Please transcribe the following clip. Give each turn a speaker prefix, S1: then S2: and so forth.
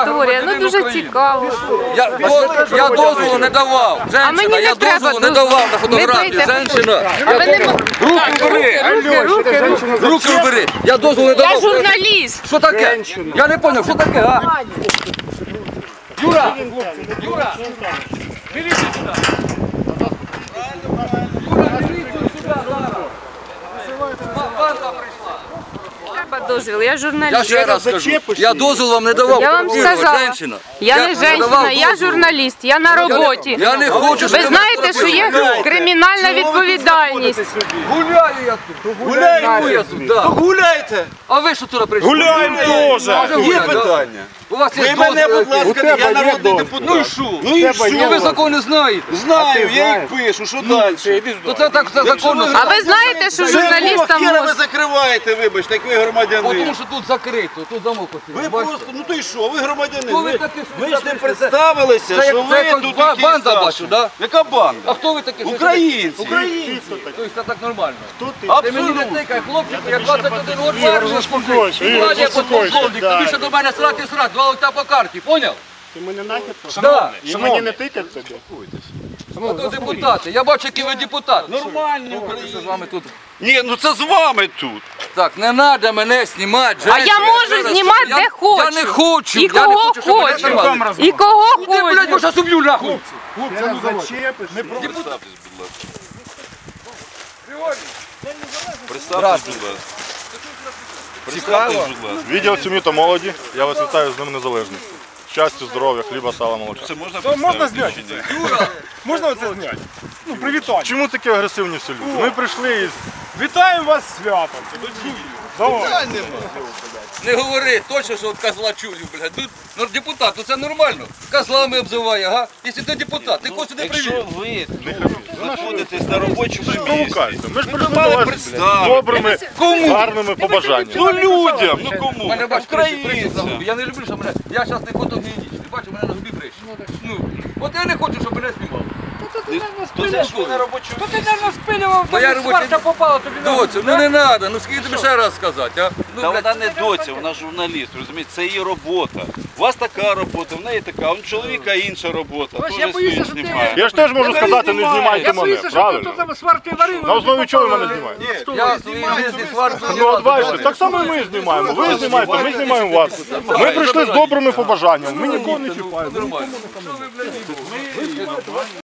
S1: історія, ну дуже цікаво.
S2: Я дозволу не давав. Женщина, я дозволу не давав на фотографію. Женщина. Руки убери. Руки убери. Я дозволу не давав.
S1: Я журналіст.
S2: Що таке? Я не зрозумів, що таке, а? Юра! Юра! Міліцію сюди! Юра, міліцію сюди зараз! Банда прийшла!
S1: Треба дозвіл, я
S2: Я
S1: журналіст.
S2: ще раз скажу, я дозвіл вам не давав.
S1: Я вам сказала,
S2: Женщина.
S1: я не женщина, я журналіст, я на роботі.
S2: Я не хочу, щоб
S1: Ви знаєте, що є кримінальна відповідальність.
S2: Гуляю я тут. Гуляю я тут, так.
S3: Гуляйте!
S2: А ви що туди прийшли?
S3: Гуляємо теж! Є
S2: Гуляти, да?
S3: питання.
S2: У вас є
S3: Ви мене, будь
S2: дозвіл?
S3: ласка, я народний депутат.
S2: Ну і що?
S3: Ну і
S2: Ну ви
S3: що?
S2: закон не знаєте.
S3: Знаю, я їх пишу, що далі?
S2: То це так все законно.
S1: А ви знаєте, що журналістам
S3: ви
S1: можна?
S3: закриваєте, вибачте, як ви громадянин.
S2: Тому що тут закрито, тут замок
S3: Ви
S2: ось.
S3: просто, ну то й що, ви громадянин.
S2: Хто ви такі, що
S3: Ви
S2: ви
S3: ж не
S2: такі?
S3: представилися,
S2: Це
S3: що
S2: як-
S3: ви
S2: це
S3: тут
S2: якось
S3: якісь
S2: банда
S3: Саші.
S2: бачу, да?
S3: Яка банда?
S2: А хто ви такі?
S3: Українці.
S2: Українці. Тобто це так нормально. Ти мені не
S3: Абсолютно.
S2: тикай, хлопчик, я 21 років в армії служив. Владі я подполковник, тобі ще до мене срати, два листа по карті, поняв?
S4: Ти мене нахід?
S2: Да.
S4: Що мені не тикать тобі?
S2: А то депутати, я бачу, який ви депутат.
S3: Нормально,
S2: Що з
S3: Україна.
S2: вами тут?
S3: Ні, ну це з вами тут.
S2: Так, не треба мене знімати.
S1: А я можу знімати де хочу.
S2: Я не хочу.
S1: І
S2: я не
S1: кого
S2: хочу, щоб мене
S1: хочу.
S2: знімали.
S1: І кого
S2: Ти, блядь,
S1: хочу.
S2: може, уб'ю нахуй.
S4: Зачепиш?
S3: Представтесь, будь ласка. Представтесь, будь ласка.
S5: Відділ сім'ї та молоді. Я вас вітаю з Днем Незалежності. Щастя, здоров'я, хліба, сала, молока.
S3: Це можна
S4: Можна
S3: представити?
S4: зняти?
S3: чи ні?
S4: Можна це зняти? Ну, привітання.
S5: Чому такі агресивні всі люди? Ми прийшли із...
S4: Вітаємо вас з святом. Давай.
S2: Не говори, точно, що от козла чую, блядь. Тут ну, депутат, ну це нормально. Козлами обзиває, ага. Якщо ти депутат, ти кого сюди привів?
S3: Якщо ви знаходитесь на робочому місці,
S5: Провокація. Ми ж
S3: ви
S5: прийшли
S3: мали
S5: до вас з
S3: представити.
S5: добрими,
S2: Кому?
S5: гарними побажаннями.
S3: Ну людям, ну кому?
S2: Мене бачиш, прищі на
S3: Українцям.
S2: губі. Я не люблю, що мене. Я зараз не фотогенічний. Бачу, мене на губі прищі. Ну, от я не хочу, щоб мене знімали.
S3: То це ж ви на робочому
S6: Ти,
S3: місці.
S6: мабуть, спилював,
S2: Бо я
S6: там
S2: робочий-
S6: сварка попала тобі на
S2: Доцю, ну не треба, ну скільки тобі ще раз сказати, а? Ну,
S3: Та
S2: блядь,
S3: вона не доця, вона журналіст, розумієте, це її робота. У вас така робота, в неї така, а у чоловіка інша робота.
S6: Ось
S3: Теж
S6: я боюся,
S3: свій
S6: що ти-
S3: знімає.
S5: Я ж теж можу сказати, не знімайте
S6: Я
S5: мене,
S6: боюся, що
S5: правильно?
S6: тут там сварки варили.
S5: На основі чого ви мене знімаєте?
S2: я свої жизни сварку
S5: Ну от бачите, так само і ми знімаємо. Ви знімаєте, ми знімаємо вас. Ми прийшли з добрими побажаннями. Ми нікого не чіпаємо.
S2: нормально. Що ви, блядь,